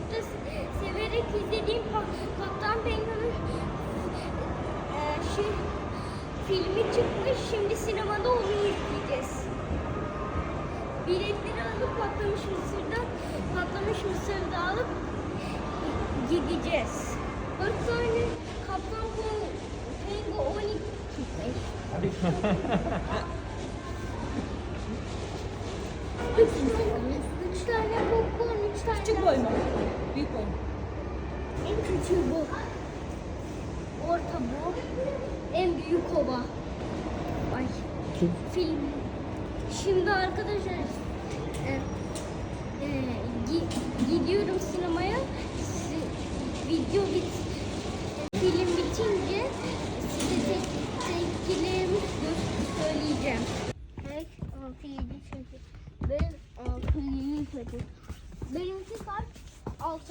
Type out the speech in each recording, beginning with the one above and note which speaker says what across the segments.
Speaker 1: çocukluğumda severek izlediğim Kaptan Penguin'in filmi çıkmış. Şimdi sinemada onu izleyeceğiz. Biletleri alıp patlamış mısırda alıp gideceğiz. 4 tane Kaptan Penguin çıkmış. Üç tane popcorn, 3 tane.
Speaker 2: Küçük boy mu? Büyük boy mu?
Speaker 1: En küçüğü bu. Orta bu. En büyük ova. Ay. Film. Şimdi arkadaşlar gidiyorum sinemaya. Film bitince size tepkilerimi söyleyeceğim. 5, 6, 7 çocuk. Ben 6, 7 çocuk. Benimki kaç? 6.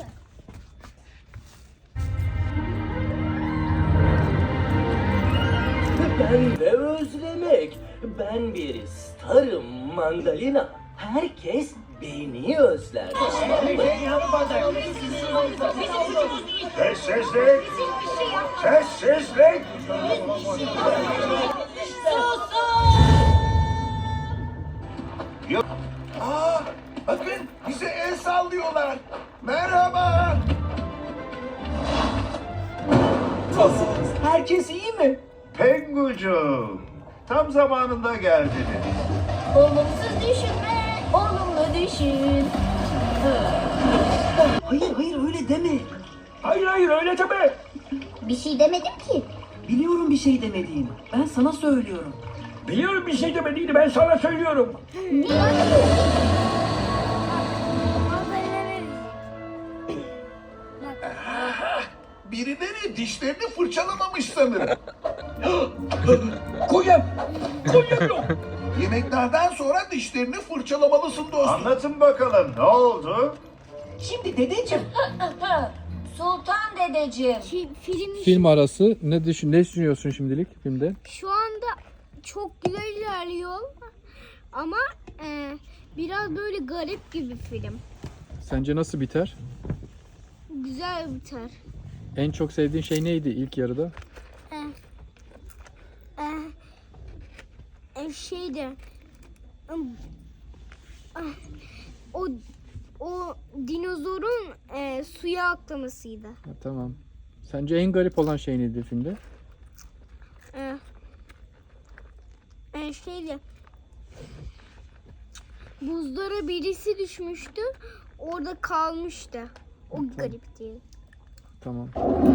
Speaker 3: Ben de özlemek. Ben bir starım mandalina. Herkes beni özler.
Speaker 4: Sessizlik! Sessizlik! Aa, bakın bize el sallıyorlar. Merhaba.
Speaker 3: Nasılsınız? Herkes iyi mi?
Speaker 4: Pengucuğum, tam zamanında geldiniz.
Speaker 1: Olumsuz düşünme, olumlu düşün.
Speaker 3: Hayır öyle deme.
Speaker 4: Hayır öyle deme.
Speaker 1: Bir şey demedim ki.
Speaker 3: Biliyorum bir şey demediğini. Ben sana söylüyorum.
Speaker 4: Biliyorum bir şey demediğini, ben sana söylüyorum. Birileri dişlerini fırçalamamış sanırım.
Speaker 5: Koyam yok.
Speaker 4: Yemeklerden sonra dişlerini fırçalamalısın dostum. Anlatın bakalım, ne oldu?
Speaker 3: Şimdi dedeciğim.
Speaker 6: Sultan dedeciğim.
Speaker 7: Film arası ne düşünüyorsun şimdilik filmde?
Speaker 1: Şu anda çok güzel ilerliyor ama biraz böyle garip gibi film.
Speaker 7: Sence nasıl biter?
Speaker 1: Güzel biter.
Speaker 7: En çok sevdiğin şey neydi ilk yarıda?
Speaker 1: Şeyde o dinozorun suya atlamasıydı.
Speaker 7: Ha, tamam. Sence en garip olan şey neydi filmde?
Speaker 1: Şeyde buzlara birisi düşmüştü. Orada kalmıştı. O garipti.
Speaker 7: Tamam.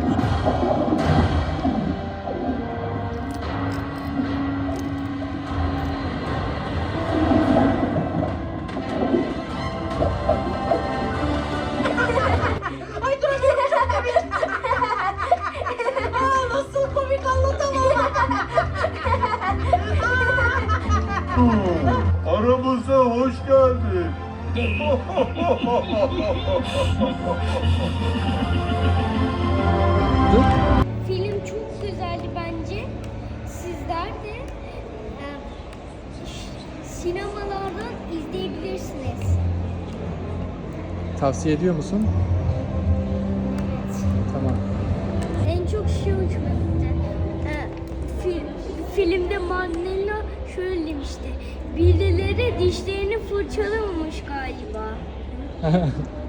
Speaker 2: Nasıl komik anlatamam.
Speaker 4: Aramıza hoş geldin.
Speaker 1: Film çok güzeldi bence. Sizler de sinemalardan izleyebilirsiniz.
Speaker 7: Tavsiye ediyor musun?
Speaker 1: Evet.
Speaker 7: Tamam.
Speaker 1: En çok şey hoşuma gitti. Filmde Mandela şöyle demişti. Birileri dişlerini fırçalamamış galiba.